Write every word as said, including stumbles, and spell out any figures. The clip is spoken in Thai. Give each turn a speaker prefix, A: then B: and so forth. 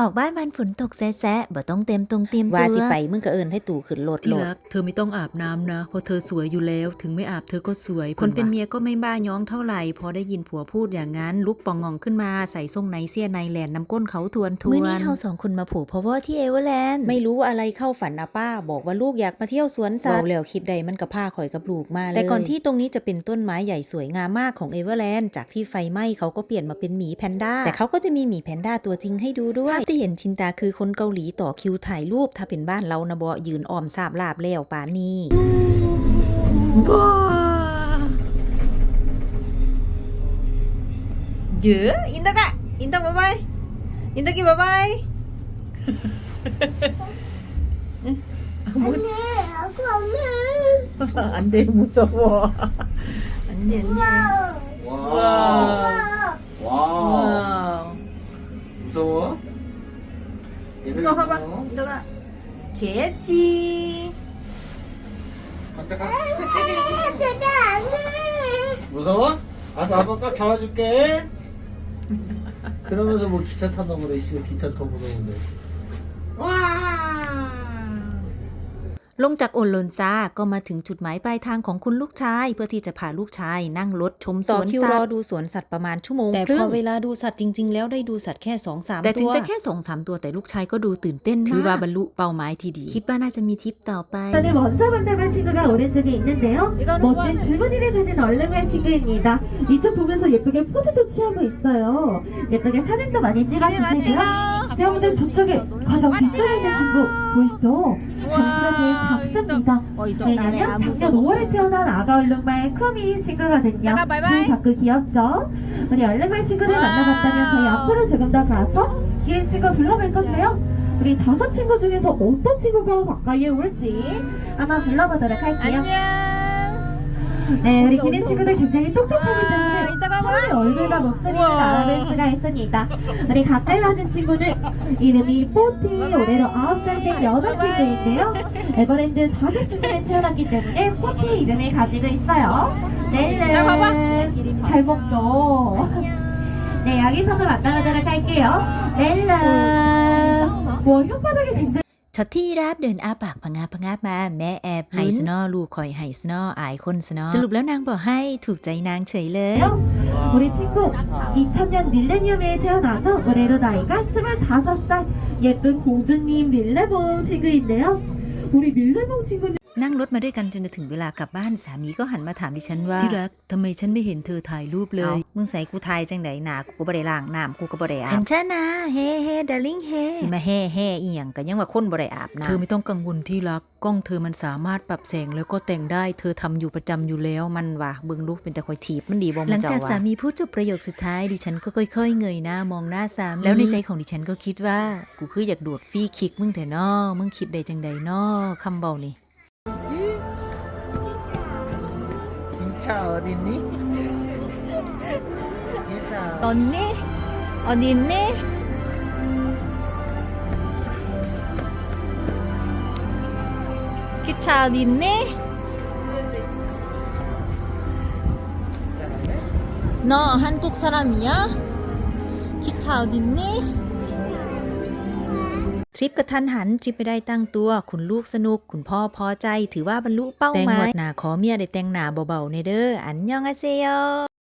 A: ออกบ้านวันฝนตกแซะๆบ่ต้องเต็มตรงเตรียมตัวว่าสิไปมึงก็เอิ้นให้ตู่ขึ้นรถที่รักเธอไม่ต้องอาบน้ำนะเพราะเธอสวยอยู่แล้วถึงไม่อาบเธอก็สวยคนเป็นเมียก็ไม่บ้าย้องเท่าไหร่พอได้ยินผัวพูดอย่างนั้นลุกปองงองขึ้นมาใส่ทรงไนเสียในแหลนน้ำก้นเขาทวนทวนมื้อนี้เฮาสองคนมาผูกเพราะว่าที่เอเวอร์แลนด์ไม่รู้อะไรเข้าฝันนะป้าบอกว่าลูกอยากมาเที่ยวสวนสัตว์แล้วคิดใดมันก็พาข่อยกับลูกมาเลยแต่ก่อนที่ตรงนี้จะเป็นต้นไม้ใหญ่สวยงามมากของเอเวอร์แลนด์จากที่ไฟไหม้เขาก็เปลี่ยนมาเป็นหมีแพนด้าแต่เขาก็จะมีหมีแพนด้าตัวจริงให้ดูด้วยภาพที่เห็นชินตาคือคนเกาหลีต่อคิวถ่ายรูปถ้าเป็นบ้านเรานะบ่ยืนอ้อมสาบลาบแล้วป่านนี้บ้าเยอะอินตากะอินตาบ๊ายบายอินตากิบ๊ายบาย
B: 언니, 아구 엄마.
A: 안돼 무서워 안돼 안돼
C: 와.
A: 와.
C: 와. 무서워? 얘들아,
A: 이거 봐봐
C: 무서워?
A: 인덕아 개치
C: 갔다가.
B: 제가 안 해.
C: 무서워? 알았어, 아빠 꽉 잡아줄게. 그러면서 뭐 기차 탄다 그래, 씨. 기차 더 무서운데. 와.
A: ลงจากโอโลนซาก็มาถึงจุดหมายปลายทางของคุณลูกชายเพื่อที่จะพาลูกชายนั่งรถชมสวนสัตว์ต่อคิวรอดูสวนสัตว์ประมาณชั่วโมงแต่พอเวลาดูสัตว์จริงๆแล้วได้ดูสัตว์แค่ สองสาม ตัวแต่ถึงจะแค่ สองสาม ตัวแต่ลูกชายก็ดูตื่นเต้นมากถือว่าบรรลุเป้าหมายที่ดีคิดว่าน่าจะมีทริปต่อไป
D: 저는 먼저 만나볼 친구가 오른쪽에 있는데요. 멋진 줄무늬를 가진 얼른말 친구입니다. 이쪽 보면서 예쁘게 포즈도 취하고 있어요. 예쁘게 사진도 많이 찍어주시고요. 여러분들 저쪽에 가장 뒤쪽에 있는 친구 보이시죠? 당시가 제일 작습니다. 왜냐면 작년 오월에 태어난 아가 얼룩말 쿠미 친구거든요. 그 자꾸 귀엽죠? 우리 얼룩말 친구를 만나봤다면 저희 앞으로 조금 더 가서 기린 친구 불러볼 건데요. 우리 다섯 친구 중에서 어떤 친구가 가까이에 올지 한번 불러보도록 할게요. 네, 우리 기린 친구들 굉장히 똑똑하기 때문에 서로의 얼굴과 목소리를 알아볼 수가 있습니다. 우리 가까이 와준 친구는 이름이 뽀티, 올해로 아홉 살 된 여자친구인데요. 에버랜드 사색 주년에 태어났기 때문에 뽀티 이름을 가지고 있어요. 넬름, 잘 먹죠? 네, 여기서도 만나보도록 할게요. 넬름. 와, 혓바닥이 굉장히
A: ช็อตที่ยีราฟเดินอ้าปากพะงาพะงามาแม่แอบไฮสนอลูกคอยไฮสนออายคนสนอสรุปแล้วนางบอกให้ถูกใจนางเฉยเลย
D: 우리 친구 이천 년 밀레니엄에 태어나서 올해로 나이가 스물다섯 살 예쁜 공주님 밀레봉 친구인데요. 우리 밀레봉 친구는
A: นั่งรถมาด้วยกันจนจะถึงเวลากลับบ้านสามีก็หันมาถามดิฉันว่าที่รักทำไมฉันไม่เห็นเธอถ่ายรูปเลยมึงใส่กูถ่ายจังไดหนากูก็บ่ได้ล้างน้ำกูก็บ่ได้อาบเห็นฉันนะเฮ้เฮ้ดาริ่งเฮ้สิมาเฮ้เฮ้อีหยังก็ยังว่าคนบ่ได้อาบน้ำเธอไม่ต้องกังวลที่รักกล้องเธอมันสามารถปรับแสงแล้วก็แต่งได้เธอทำอยู่ประจำอยู่แล้วมันว่าเบิ่งลูกเป็นแต่คอยถีบมันดีบ่มันเจ้าหลังจากสามีพูดจบประโยคสุดท้ายดิฉันก็ค่อยๆเงยหน้ามองหน้าสามีแล้วในใจของดิฉันก็คิดว่ากูคืออยากโดดฟรีคิกมึงแต่น้อมึงคิดได้จังใดน้อคำเบานี่
C: 기차 어딨니? 기차.
A: 언니? 어디 있니? 기차 어디 있니? 너 한국 사람이야? 기차 어디 있니? ทริปกระทันหันทริปไม่ได้ตั้งตัวคุณลูกสนุกคุณพ่อพอใจถือว่าบรรลุเป้าหมายแต่งหมดหนาขอเมียได้แต่งหนาเบาๆในเด้ออันยองอาเซโย